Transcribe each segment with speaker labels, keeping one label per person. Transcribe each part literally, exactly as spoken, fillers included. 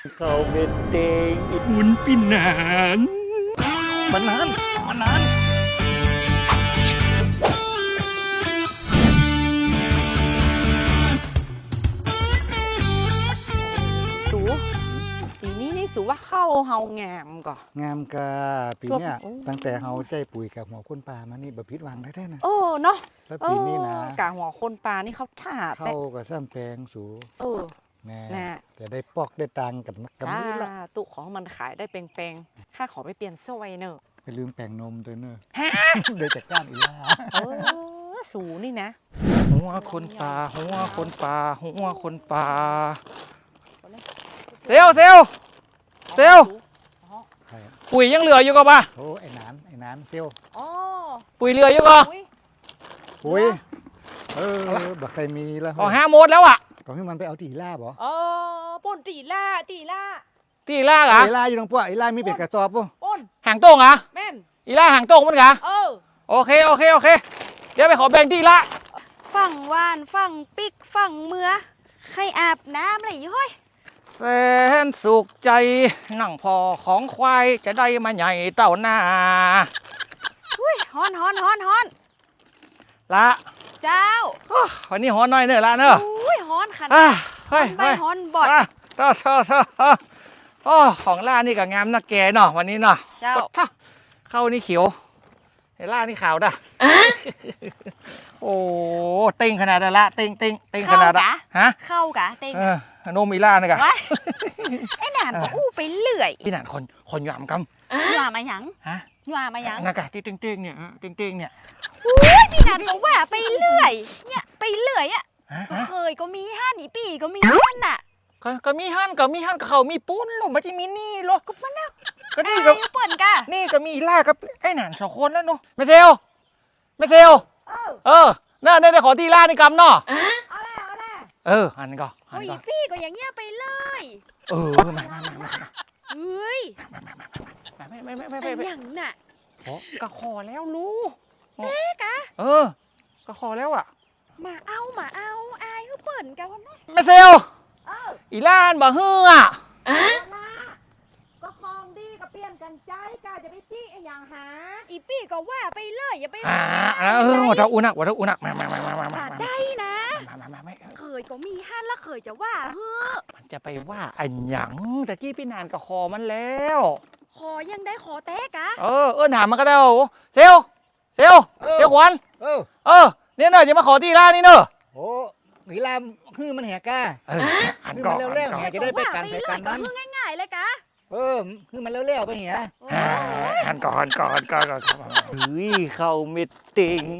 Speaker 1: เขาเป็นเตง
Speaker 2: หุ่นปีนาน
Speaker 1: มันนานมันนาน
Speaker 3: สูปีนี้นี่สูว่าเข้าเฮางามก่อน
Speaker 1: งามกะปีเนี้ย
Speaker 3: โอ้
Speaker 1: ตั้งแต่เฮาใจปุ๋ยกับหัวคนป่ามานี่แบบพิษวังได้แท้นะ
Speaker 3: เออเนาะ
Speaker 1: แล้วปีนี้นะ
Speaker 3: เออกะหัวคนปลานี่เขาท่าแต่
Speaker 1: เข้ากับซ้ำแปลงสู
Speaker 3: เออ
Speaker 1: แน่
Speaker 3: น่ะ
Speaker 1: จะได้ปอกได้ตังกันกัน
Speaker 3: จ้า
Speaker 1: มือละ
Speaker 3: ตุของมันขายได้เปงๆข้าขอไปเปลี่ยนสวยเนอะ
Speaker 1: ไปลืมแปลงนมตัวเนอะ
Speaker 3: ฮะ
Speaker 1: เดี๋ยวจากก้านอีลา
Speaker 3: เออสูนี่นะ
Speaker 2: หัวคนป่าหัวคนป่าหัวคนป่าเซลเซล เซล
Speaker 1: ใครอะ
Speaker 2: ปุ๋ยยังเหลืออยู่ก็ป่ะ
Speaker 1: โอ้ไอ้นานไอ้นานเซียว
Speaker 3: อ๋อ
Speaker 2: ปุ๋ยเหลืออยู่ก็
Speaker 3: อุ๊ย
Speaker 1: ปุ๋ยเออบักใครมีแล้ว
Speaker 2: อ๋อห้าโมดแล้วอ่ะ
Speaker 1: ก็ให้มันไปเอาตีลาบ่
Speaker 3: เออป่นตีล่าตีล่า
Speaker 2: ที่ล่างเหรอ
Speaker 1: อีลาอยู่ตรงพวกอีลามีเป็ดกระสอบป่ะ
Speaker 3: ป่น
Speaker 2: หางโต้งเหรอ
Speaker 3: แม่น
Speaker 2: อีล่าหางโต้งมันเหรอ
Speaker 3: เออ
Speaker 2: โอเคโอเคโอเคเดี๋ยวไปขอแบ่งที่ละ
Speaker 4: ฝั่งวานฝั่งปิกฝั่งเมือใครอาบน้ำอะไรอยู่เฮ้ย
Speaker 2: แสนสุขใจนั่งพอของควายจะได้มาใหญ่เต่าหน้า
Speaker 4: อุ้ยฮอนฮอนฮอนฮอน
Speaker 2: ละ
Speaker 4: เจ้า
Speaker 2: อ้อวันนี้หอนหน่อยเนอะละเนอะ
Speaker 4: อุ้ยฮอนขัน
Speaker 2: อ่ะเฮ้
Speaker 4: ฮ
Speaker 2: ย
Speaker 4: อนใบ
Speaker 2: เฮ้ย
Speaker 4: ฮอนบอด
Speaker 2: อ่ะเท่าเท่าเท่าเท่าโอ้ของล่านี่ก็งามนะแกเนาะวันนี้เนาะ
Speaker 4: เจ้า
Speaker 2: กดท่าเข้านี่เขียวไอ้ล่านี่ขาวด่ะโอ้เต็งขนาดนั้นละเต็งเต็งเต็งขนาดอะฮะ
Speaker 4: เข้ากะเต็ง
Speaker 2: เออโนมอีล่านี่กะ
Speaker 4: วะไอ้หนานก็อู้ไปเลื่อย
Speaker 2: พี่หนานคนคนหยามก
Speaker 4: หว่ามาหยัง
Speaker 2: ำฮะ
Speaker 4: หว่ามาหยัง
Speaker 2: นากะที่เต็งเต็งเนี่ยฮะเต็งเต็งเนี่ย
Speaker 4: อุ้ยพี่หนานก็ว่าไปเลื่อยเนี่ยไปเลื่อยอ่ะ
Speaker 2: ฮะฮะ
Speaker 4: เคยก็มีห้าหนีปีก็มีห้านน่ะ
Speaker 2: ก็ก็มีฮั่นก็มีฮั่นก็เขามีปุ้นหรอมันจะมีนี่หรอ
Speaker 4: ก็มันน่ะ
Speaker 2: ก็นี่
Speaker 4: ไอ้
Speaker 2: ก็
Speaker 4: เปิ่นกะ
Speaker 2: นี่ก็มีอีล่ากับไอ้หนานสองคนแล้วเนาะไม่เซลไม่เซล
Speaker 3: เออ
Speaker 2: เออน่าได้ขอที่ล่านี่กำเนาะ
Speaker 3: เอาละเอาละ
Speaker 2: เออหันก่อนหัน
Speaker 4: โอ้ย
Speaker 2: ก่อน
Speaker 4: พี่ก็อย่างเงี้ยไปเลย
Speaker 2: เออมามามามามา
Speaker 4: เฮ้ย
Speaker 2: ไม่ไม่ไม่ไม่
Speaker 4: ไอ้
Speaker 2: ไม่ไม่
Speaker 4: หยังน่ะ
Speaker 2: ขอก็ขอแล้วรู้
Speaker 4: เอ๊ะกะ
Speaker 2: เออก็ขอแล้วอ่ะ
Speaker 4: มาเอามาเอาอายเขาเปิ่นกันวะนะ
Speaker 2: ไม่เซลอีล่านบ่เฮือ
Speaker 3: เอาละก็คลองดีก็เปลี่ยนกันใจกาจะไปจี้ไอ้อย่างหา
Speaker 4: อีปี้ก็ว่าไปเลยอย่าไป
Speaker 2: อ่าเออวัดเท้าอุนักวัดเท้าอุนักมามามามามามา
Speaker 4: ป่าได้นะ
Speaker 2: มามามาไม่
Speaker 4: เคยก็มีห้านแล้วเคยจะว่าเฮ้อ
Speaker 2: มันจะไปว่าอันหยังตะกี้พี่นานก็คอมันแล้ว
Speaker 4: ขอยังได้ขอแตกะ
Speaker 2: เออเออถามมันก็ได้โอ้เซลเซลเซลขวัญ
Speaker 1: เออ
Speaker 2: เออเนี่ยเนอะจะมาขอที่ร้านนี่เนอะ
Speaker 1: โอ้อีลาคือมันแหกก้า
Speaker 2: เออหัน
Speaker 1: คือ
Speaker 2: ก่อ
Speaker 1: มัน
Speaker 2: น
Speaker 1: เร็วๆ
Speaker 2: หันก่อน
Speaker 1: แหกจะได้ไปกันไป
Speaker 4: เลย
Speaker 1: กัน
Speaker 4: ก็
Speaker 1: นั้น
Speaker 4: คือง่ายๆเลยกะ
Speaker 1: เออคือมันเร็วๆไปเหีย
Speaker 4: โอ้
Speaker 2: อ่าหันก่อนก่อนก่อนก่อนก่อน
Speaker 1: เฮ้ยเข้าเม็ดเต็ง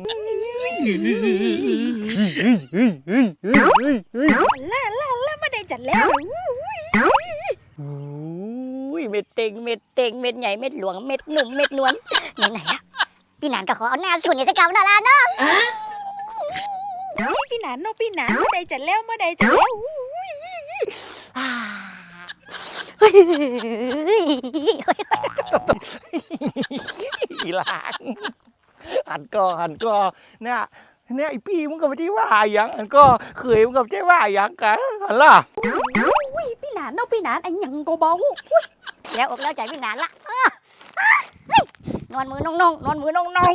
Speaker 4: ล่าล่าล่ามาได้จัดแล้ว
Speaker 5: อุ้ยเม็ดเต็งเม็ดเต็งเม็ดใหญ่เม็ดหลวงเม็ดหนุ่มเม็ดนวลไหนไหนอะพี่หนานก็ขอเอาหน้าสุ่นเนี่ยจะเก่าหน้าร้านเนาะ
Speaker 4: นี่พี่หนานเนาะพี่หนานมาได้จัดแล้วมาได้จัดแล้ว
Speaker 5: อ่าเฮ้ย
Speaker 2: อีหลานหันก่อนหันก่อนเนี่ยเนี่ยไอพี่มึงก็ไม่ใช่ว่าอย่างอันก็เคยมึงก็ไม่ใช่ว่าอย่างกันหันล่ะ
Speaker 4: อุ้ยพี่หนานเนาะพี่หนานไอ้หยังก็เบา
Speaker 5: แล้วอกแล้วใจพี่หนานละอ่ะอ่ะเฮ้ยนอนมือนงนงนอนมือนงนง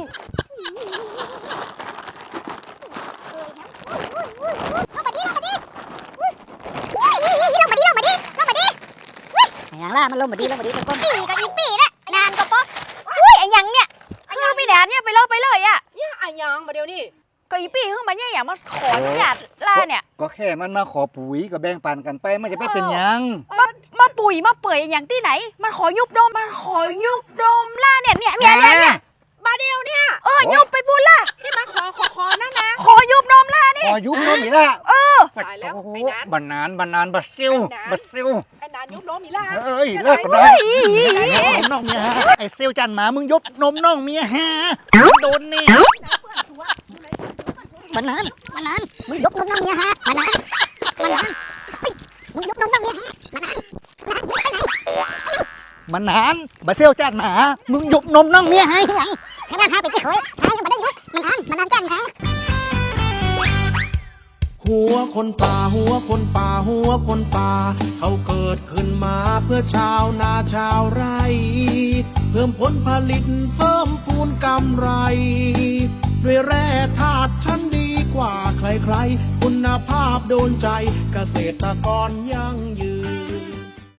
Speaker 5: อย่างล่ะมันลงมาดีลงมาดีตะก้นปีกับอีปีนะนานก็ป๊ออุ้ยไอ้ยังเนี่ย
Speaker 4: คือพี่หนานเนี่ยไปเลยไปเลยอ่ะ
Speaker 3: เนี่ยไอ้หยังมาเดี๋ยวนี้
Speaker 4: ก็อีปี้คือมันเนี่ยอย่างมาขออนุญาตล่าเนี่ย
Speaker 1: ก็แค่มันมาขอปุ๋ยก็แบ่งปันกันไปมันจะไม่เป็นหยัง
Speaker 4: มาปุ๋ยมาเปื่อยอย่างที่ไหน มันขอยุบดมมันขอยุบดมล่าเนี่ยเนี่ยเนี่ยเนี่ยเนี่ย
Speaker 3: มาเดียวเนี่ย
Speaker 4: เออยุบไปบุญล่ะ
Speaker 3: ที่มาขอขอขอนั่นนะ
Speaker 4: ขอยุบดมล่านี่
Speaker 1: ขอยุบนมอีละ
Speaker 3: ตายแล้ว
Speaker 1: โอ้โห
Speaker 3: ไอ้นั้น
Speaker 1: บันนานบันนานบัดซิวบัดซิว
Speaker 3: ไอ้นานยุบล้มอีล่า
Speaker 1: เอ้ยเลิกกันได้นมน้องเมียฮะไอ้เซลจันหมามึงยบนมน้องเมียฮะโดนเนี่ย
Speaker 5: มันนานมันนานมึงยกนมน้องเมียฮะมันนานมันนานมึงยกนมน้องเมียฮะมันนาน
Speaker 1: มันนานบัดเซลจันหมามึงยบนมน้องเมียฮะ
Speaker 5: ไงขนาดหาไปที่เคยหายังไม่ได้ยุบมันนานมันนานกันฮะ
Speaker 6: หัวคนป่าหัวคนป่าหัวคนป่าเขาเกิดขึ้นมาเพื่อชาวนาชาวไร่เพิ่มผลผลิตเพิ่มพูนกำไรด้วยแร่ธาตุชั้นดีกว่าใครๆคุณภาพโดนใจเกษตรกรยั่งยืน